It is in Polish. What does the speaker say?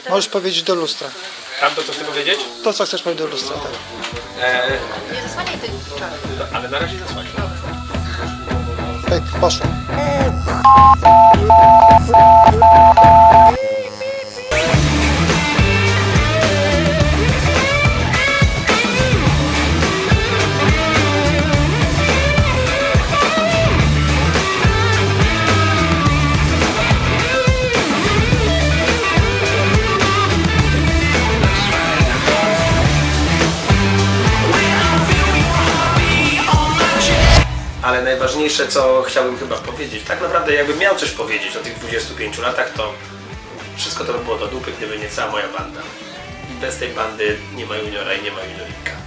Możesz powiedzieć do lustra. Tam to co chcę powiedzieć? To, co chcesz powiedzieć do lustra, tak. Nie zasłaniaj tych czarów. Ale na razie zasłaniam. Pyk, poszło. Ale najważniejsze, co chciałbym chyba powiedzieć, tak naprawdę jakbym miał coś powiedzieć o tych 25 latach, to wszystko to by było do dupy, gdyby nie cała moja banda. I bez tej bandy nie ma juniora i nie ma juniorika.